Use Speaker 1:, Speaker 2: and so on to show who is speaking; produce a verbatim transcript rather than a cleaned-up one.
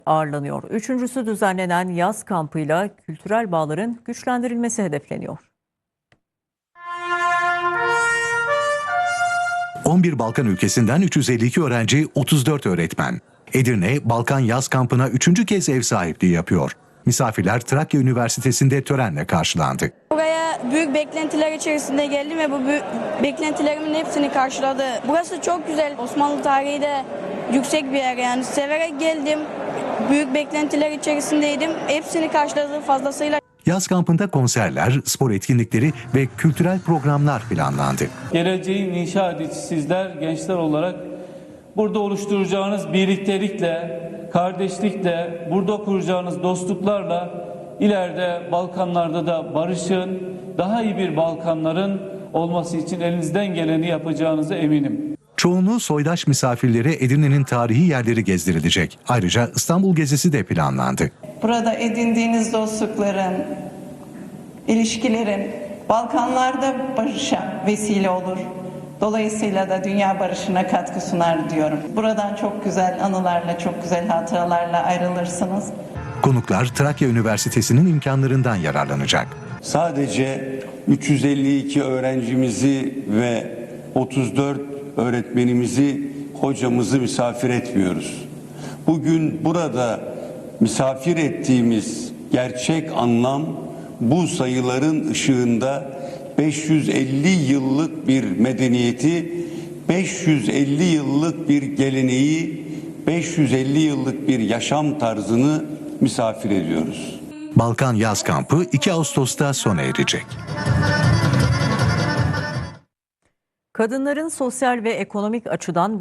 Speaker 1: ağırlanıyor. Üçüncüsü düzenlenen yaz kampıyla kültürel bağların güçlendirilmesi hedefleniyor.
Speaker 2: on bir Balkan ülkesinden üç yüz elli iki öğrenci, otuz dört öğretmen. Edirne, Balkan Yaz Kampı'na üçüncü kez ev sahipliği yapıyor. Misafirler Trakya Üniversitesi'nde törenle karşılandı.
Speaker 3: Buraya büyük beklentiler içerisinde geldim ve bu büyük beklentilerimin hepsini karşıladı. Burası çok güzel. Osmanlı tarihi de yüksek bir yer, yani severek geldim. Büyük beklentiler içerisindeydim. Hepsini karşıladı fazlasıyla.
Speaker 2: Yaz kampında konserler, spor etkinlikleri ve kültürel programlar planlandı.
Speaker 4: Geleceğin inşa edicisi sizler, gençler olarak burada oluşturacağınız birliktelikle, kardeşlikle, burada kuracağınız dostluklarla ileride Balkanlarda da barışın, daha iyi bir Balkanların olması için elinizden geleni yapacağınıza eminim.
Speaker 2: Çoğunluğu soydaş misafirlere Edirne'nin tarihi yerleri gezdirilecek. Ayrıca İstanbul gezisi de planlandı.
Speaker 5: Burada edindiğiniz dostlukların, ilişkilerin Balkanlarda barışa vesile olur. Dolayısıyla da dünya barışına katkı sunar diyorum. Buradan çok güzel anılarla, çok güzel hatıralarla ayrılırsınız.
Speaker 2: Konuklar Trakya Üniversitesi'nin imkanlarından yararlanacak.
Speaker 6: Sadece üç yüz elli iki öğrencimizi ve otuz dört öğretmenimizi, hocamızı misafir etmiyoruz. Bugün burada misafir ettiğimiz gerçek anlam bu sayıların ışığında beş yüz elli yıllık bir medeniyeti, beş yüz elli yıllık bir geleneği, beş yüz elli yıllık bir yaşam tarzını misafir ediyoruz.
Speaker 2: Balkan Yaz Kampı iki Ağustos'ta sona erecek.
Speaker 1: Kadınların sosyal ve ekonomik açıdan